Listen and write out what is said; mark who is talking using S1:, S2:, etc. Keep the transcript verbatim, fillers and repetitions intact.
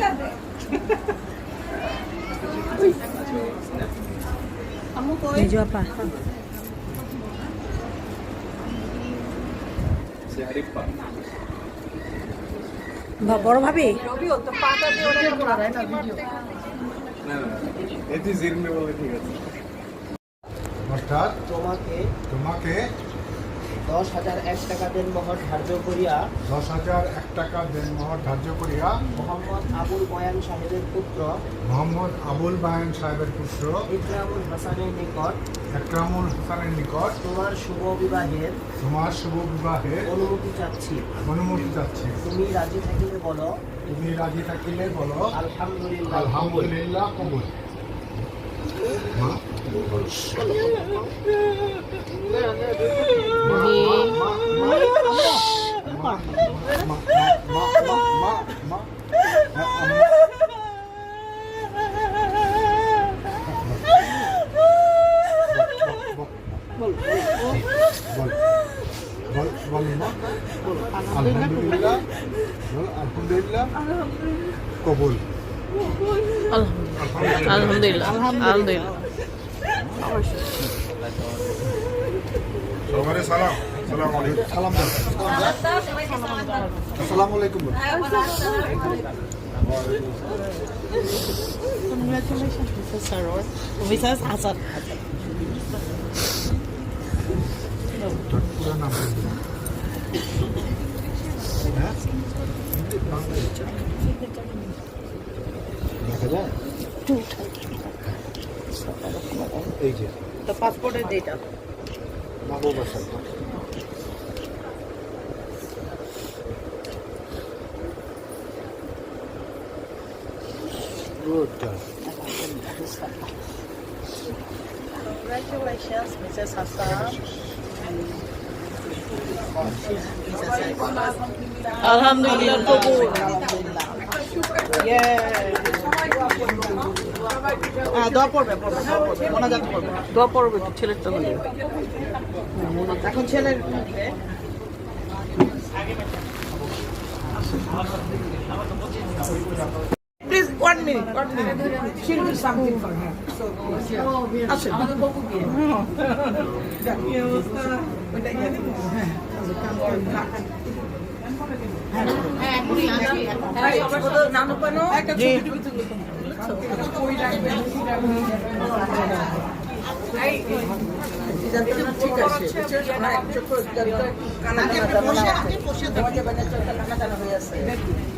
S1: Mejo apa? বড় ভাবি
S2: অর্থাৎ
S3: তোমাকে
S2: তোমাকে
S3: দশ হাজার এক টাকা দেনমোহর ধার্য করিয়া
S2: দশ হাজার এক টাকা দেনমোহর ধার্য করিয়া
S3: মোহাম্মদ আবুল বয়ান সাহেবের পুত্র
S2: মোহাম্মদ আবুল বায়ান সাহেবের পুত্র
S3: ইকরামুল হাসানের নিকট
S2: একরামুল হাসানের নিকট
S3: তোমার শুভ বিবাহের
S2: তোমার শুভ বিবাহের
S3: অনুমতি চাচ্ছি।
S2: অনুমতি চাচ্ছি।
S3: তুমি রাজি থাকিলে বলো
S2: তুমি রাজি থাকিলে বলো
S3: আলহামদুলিল্লাহ।
S2: আলহামদুলিল্লাহ কবুল। মা আলহামদুলিল্লাহ আলহামদুলিল্লাহ কবুল।
S1: আলহামদুলিল্লাহ আলহামদুলিল্লাহ
S2: সবারে সালাম। সালাম আলাইকুম। সালাম আসসালামু আলাইকুম।
S1: Congratulations, Missus Saror. Missus Hasan.
S2: পুরো নাম হ্যাঁ দেখা যায় এই যে
S1: The passport data.
S2: নববর্ষ good job.
S1: Congratulations, Missus Hasan. Alhamdulillah, kabul. Yeah. হ্যাঁ দোয়া পড়বে পড়বে দোয়া পড়বে মোনাজাত করবে দোয়া পড়বে তো ছেলের তো হলো এখন ছেলের please one minute one minute she will something for her আচ্ছা আমাদের বাবু দিয়ে কি অবস্থা ওটা জানি হ্যাঁ হ্যাঁ এখনই আসি হ্যাঁ সবার নানু পানো একটা ছবি টবি তুলতে কই রাখবে এই ঠিক আছে কানা কানা জানা আছে বসে বসে তোমাকে বানাতে কানা কানা হয়ে আছে